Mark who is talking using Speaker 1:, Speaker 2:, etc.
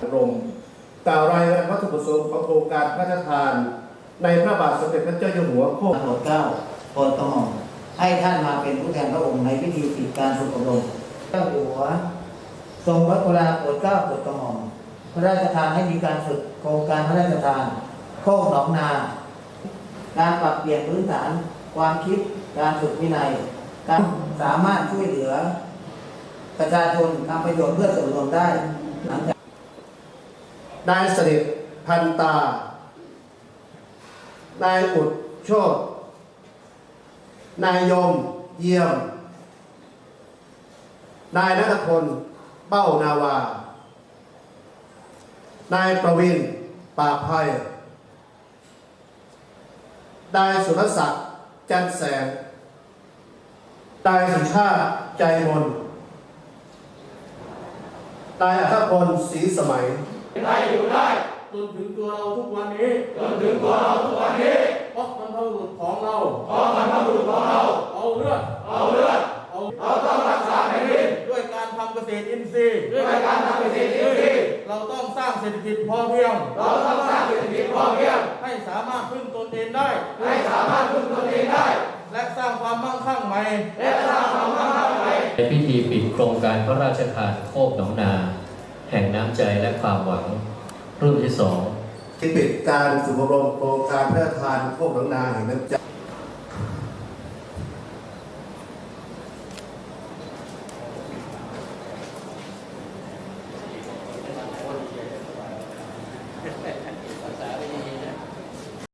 Speaker 1: อบรมกล่าวรายงานวัตถุประสงค์ของโครงการพระราชทานในพระบาทสมเด็จพระเจ้าอยู่หัวโคก
Speaker 2: โปรดเกล้าโปรดกระหม่อมให้ท่านมาเป็นผู้แทนพระองค์ในพิธีปิดการฝึกอบรมเจ้าอยู่หัวทรงพระกรุณาโปรดเกล้าโปรดกระหม่อมพระราชทานให้มีการฝึกโครงการพระราชทานโคกหนองนาการปรับเปลี่ยนพื้นฐานความคิดการฝึกวินัยการสามารถช่วยเหลือประชาชนทำประโยชน์เพื่อส่วนรวมได้หลังจาก
Speaker 1: นายเสด็จพันตา นายอุดโชตนายยมเยี่ยม นายณัฐพลเป้านาวา นายประวินปากไพนายสุรศักดิ์จันแสง นายสุชาติใจมน นายอัธพลศรีสมัย
Speaker 3: ไทยอยู่ได้
Speaker 4: จนถึงตัวเราทุกวันนี้
Speaker 3: เพราะบรรพบุรุษของเราเอาเลือดเราต้องรักษาแผ่นดิน
Speaker 4: ด้วยการทำเกษตรอินทรีย์เราต้องสร้างเศรษฐกิจพอเพียงให้สามารถพึ่งตนเองได้และสร้างความมั่งคั่งใหม่
Speaker 5: ในพิธีปิดโครงการพระราชทานโคกหนองนาแห่งน้ำใจและความหวังรุ่นที่ 2
Speaker 1: ที่ปิดการฝึกอบรมโครงการพระราชทานโคกหนองนาแห่งน้ำใจ